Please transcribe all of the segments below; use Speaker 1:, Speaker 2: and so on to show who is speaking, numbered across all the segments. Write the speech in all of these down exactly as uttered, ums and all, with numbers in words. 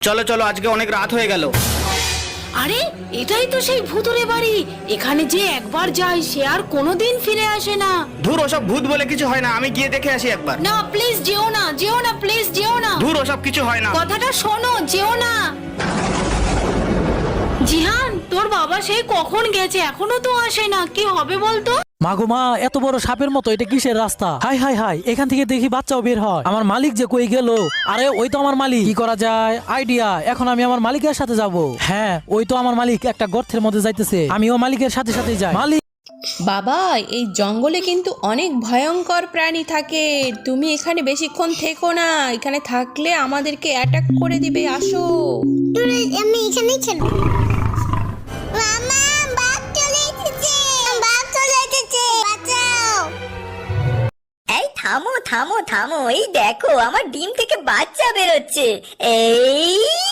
Speaker 1: চলো চলো, আজকে অনেক রাত হয়ে গেল।
Speaker 2: আরে এটাই তো সেই ভূতুরে বাড়ি। এখানে যে একবার যায় সে আর কোনোদিন ফিরে আসে না।
Speaker 1: ধুর, ওসব ভূত বলে কিছু হয় না, আমি গিয়ে দেখে আসি একবার।
Speaker 2: না প্লিজ যেও না, যেও না, প্লিজ যেও না।
Speaker 1: ধুর, ওসব কিছু হয় না।
Speaker 2: কথাটা শোনো, যেও না। জিহান, তোর বাবা সেই কখন গেছে, এখনো তো আসে না। কি হবে বলতো?
Speaker 3: মাগো মা, এত বড় সাপের মতো এটা কিসের রাস্তা? হাই হাই হাই, এখান থেকে দেখি বাচ্চাও বের হয়। আমার মালিক যে কই গেল? আরে ওই তো আমার মালিক। কি করা যায়? আইডিয়া, এখন আমি আমার মালিকের সাথে যাব। হ্যাঁ, ওই তো আমার মালিক একটা গর্তের মধ্যে যাইতেছে, আমিও মালিকের সাথে সাথে যাই। মালিক
Speaker 4: বাবা, এই জঙ্গলে কিন্তু অনেক ভয়ঙ্কর প্রাণী থাকে, তুমি এখানে বেশিক্ষণ থেকো না, এখানে থাকলে আমাদেরকে অ্যাটাক করে দিবে। আসো।
Speaker 5: আমি এখানেই খেলবো। মামা, বাঘ চলে এসেছে, বাঘ চলে এসেছে, বাঁচাও।
Speaker 6: এই থামো থামো থামো, এই দেখো আমার ডিম থেকে বাচ্চা বেরোচ্ছে। এই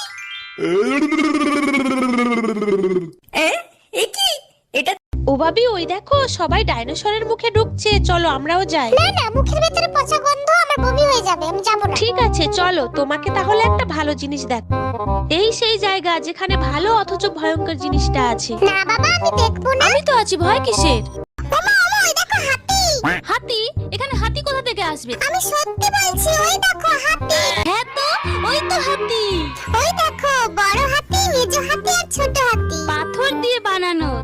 Speaker 6: এ, এ কি এটা?
Speaker 7: ও ভাবি, ওই দেখো সবাই ডাইনোসরের মুখে ঢুকছে, চলো আমরাও যাই।
Speaker 5: না না, মুখের ভেতরে পচা গন্ধ, আমার বমি হয়ে যাবে, আমি যাব না।
Speaker 7: ঠিক আছে চলো, তোমাকে তাহলে একটা ভালো জিনিস দেখ। এই সেই জায়গা যেখানে ভালো অথচ ভয়ঙ্কর জিনিসটা আছে।
Speaker 5: না বাবা, আমি দেখবো না।
Speaker 7: আমি তো আছি, ভয় কিসের?
Speaker 5: ওমা ওমা, ওই দেখো হাতি।
Speaker 7: হাতি? এখানে হাতি কোথা থেকে আসবে?
Speaker 5: আমি সত্যি বলছি, ওই দেখো হাতি।
Speaker 7: হ্যাঁ তো, ওই তো হাতি।
Speaker 5: ওই দেখো বড় হাতি, মেজো হাতি,